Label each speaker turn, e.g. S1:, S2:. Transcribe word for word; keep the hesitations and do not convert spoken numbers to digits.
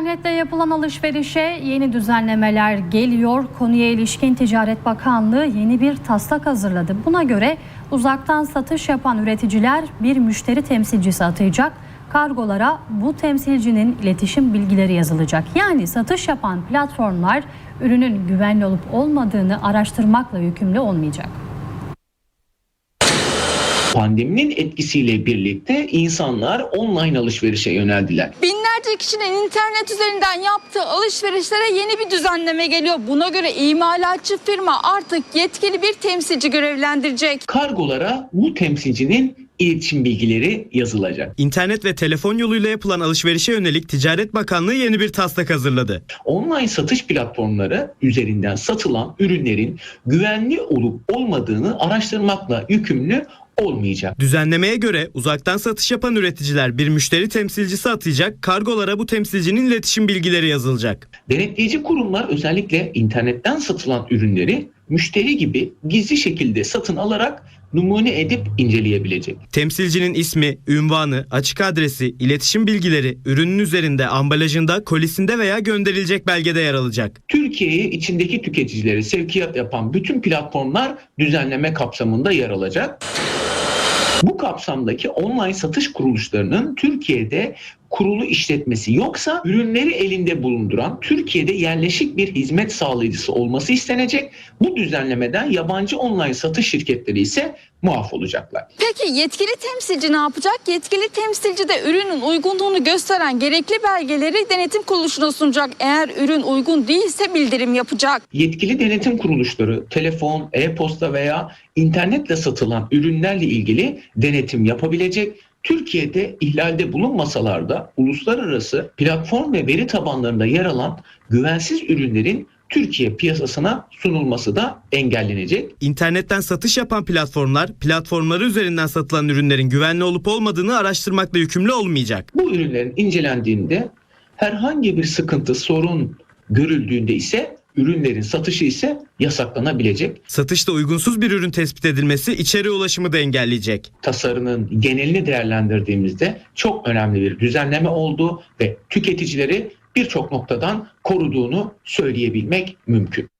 S1: İnternette yapılan alışverişe yeni düzenlemeler geliyor. Konuya ilişkin Ticaret Bakanlığı yeni bir taslak hazırladı. Buna göre uzaktan satış yapan üreticiler bir müşteri temsilcisi atayacak. Kargolara bu temsilcinin iletişim bilgileri yazılacak. Yani satış yapan platformlar ürünün güvenli olup olmadığını araştırmakla yükümlü olmayacak.
S2: Pandeminin etkisiyle birlikte insanlar online alışverişe yöneldiler.
S3: Binlerce kişinin internet üzerinden yaptığı alışverişlere yeni bir düzenleme geliyor. Buna göre imalatçı firma artık yetkili bir temsilci görevlendirecek.
S2: Kargolara bu temsilcinin iletişim bilgileri yazılacak.
S4: İnternet ve telefon yoluyla yapılan alışverişe yönelik Ticaret Bakanlığı yeni bir taslak hazırladı.
S2: Online satış platformları üzerinden satılan ürünlerin güvenli olup olmadığını araştırmakla yükümlü olmayacak.
S4: Düzenlemeye göre uzaktan satış yapan üreticiler bir müşteri temsilcisi atayacak, kargolara bu temsilcinin iletişim bilgileri yazılacak.
S2: Denetleyici kurumlar özellikle internetten satılan ürünleri müşteri gibi gizli şekilde satın alarak numune edip inceleyebilecek.
S4: Temsilcinin ismi, ünvanı, açık adresi, iletişim bilgileri ürünün üzerinde, ambalajında, kolisinde veya gönderilecek belgede yer alacak.
S2: Türkiye'ye içindeki tüketicileri sevkiyat yapan bütün platformlar düzenleme kapsamında yer alacak. Bu kapsamdaki online satış kuruluşlarının Türkiye'de kurulu işletmesi yoksa ürünleri elinde bulunduran Türkiye'de yerleşik bir hizmet sağlayıcısı olması istenecek. Bu düzenlemeden yabancı online satış şirketleri ise muaf olacaklar.
S3: Peki yetkili temsilci ne yapacak? Yetkili temsilci de ürünün uygunluğunu gösteren gerekli belgeleri denetim kuruluşuna sunacak. Eğer ürün uygun değilse bildirim yapacak.
S2: Yetkili denetim kuruluşları telefon, e-posta veya internetle satılan ürünlerle ilgili denetim yapabilecek. Türkiye'de ihlalde bulunmasalar da uluslararası platform ve veri tabanlarında yer alan güvensiz ürünlerin Türkiye piyasasına sunulması da engellenecek.
S4: İnternetten satış yapan platformlar, platformları üzerinden satılan ürünlerin güvenli olup olmadığını araştırmakla yükümlü olmayacak.
S2: Bu ürünlerin incelendiğinde herhangi bir sıkıntı, sorun görüldüğünde ise ürünlerin satışı ise yasaklanabilecek.
S4: Satışta uygunsuz bir ürün tespit edilmesi içeriye ulaşımı da engelleyecek.
S2: Tasarının genelini değerlendirdiğimizde çok önemli bir düzenleme olduğu ve tüketicileri birçok noktadan koruduğunu söyleyebilmek mümkün.